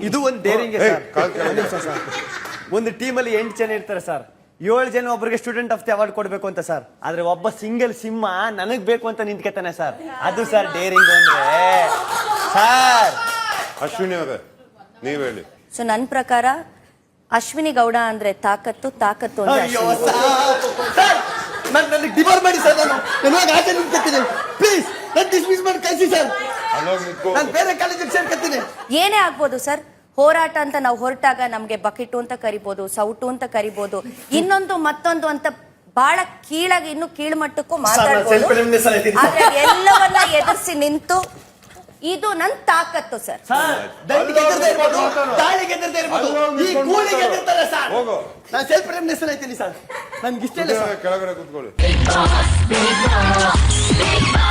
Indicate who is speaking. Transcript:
Speaker 1: ಇದು ಒಂದು daring sir. ಒಂದು ಟೀಮಲ್ಲಿ 8 ಜನ ಇರ್ತಾರೆ ಸರ್, 7 ಜನ ಒಬ್ಬರಿಗೆ ಸ್ಟೂಡೆಂಟ್ ಆಫ್ ದಿ ಅವಾರ್ಡ್ ಕೊಡ್ಬೇಕು ಅಂತ ಸರ್. ಆದ್ರೆ ಒಬ್ಬ ಸಿಂಗಲ್ ಸಿಂಹ ನನಗ್ ಬೇಕು ಅಂತ ನಿಂತ್ಕೊತಾನೆ ಸರ್. ಅದು ಸರ್ ಡೇರಿಂಗ್ ಅಂದ್ರೆ ಸರ್.
Speaker 2: ಅಶ್ವಿನಿ ಅವರೇ ನೀವ್ ಹೇಳಿ.
Speaker 3: ಸೊ ನನ್ನ ಪ್ರಕಾರ ಅಶ್ವಿನಿ ಗೌಡ ಅಂದ್ರೆ ತಾಕತ್ತು ಅಂದ್ರೆ
Speaker 1: ಅಯ್ಯೋ
Speaker 3: ಅಶ್ವಿನಿ.
Speaker 1: ಸರ್, ನನಗೆ ಡಿವೋರ್ ಮಾಡಿ ಸರ್. ನಾನು ಆಚೆ ನಿಂತ್ಕೊತೀನಿ ಪ್ಲೀಸ್. ನಾನು ಡಿಸ್ಮಿಸ್ ಮಾಡಿ ಕಳಿಸಿ ಸರ್. ನಾನು ಬೇರೆ ಕಾಲೇಜಿಗೆ ಸೇರ್ಕೊತೀನಿ.
Speaker 3: ಏನೇ ಆಗ್ಬೋದು ಸರ್, ಹೋರಾಟ ಅಂತ ನಾವು ಹೊರಟಾಗ ನಮ್ಗೆ ಬಕೆಟು ಅಂತ ಕರಿಬಹುದು, ಸೌಟು ಅಂತ ಕರಿಬಹುದು, ಇನ್ನೊಂದು ಮತ್ತೊಂದು ಅಂತ ಬಹಳ ಕೀಳಾಗಿ ಇನ್ನು ಕೀಳ್ಮಟ್ಟಕ್ಕೂ ಮಾತಾಡ್ಬೋದು. ಆದ್ರೆ ಎಲ್ಲವನ್ನ ಎದುರಿಸಿ ನಿಂತು ಇದು ನನ್ ತಾಕತ್ತು ಸರ್.
Speaker 1: ನಾನು ಸೆಲ್ಫ್ ರೆಮಿನೆನ್ಸ್ ಆಯ್ತೀನಿ ಸರ್. ನನ್ಗೆ ಇಷ್ಟ ಇಲ್ಲ ಸರ್.
Speaker 2: ಕೆಳಗಡೆ ಕೂತ್ಕೊಳ್ಳಿ.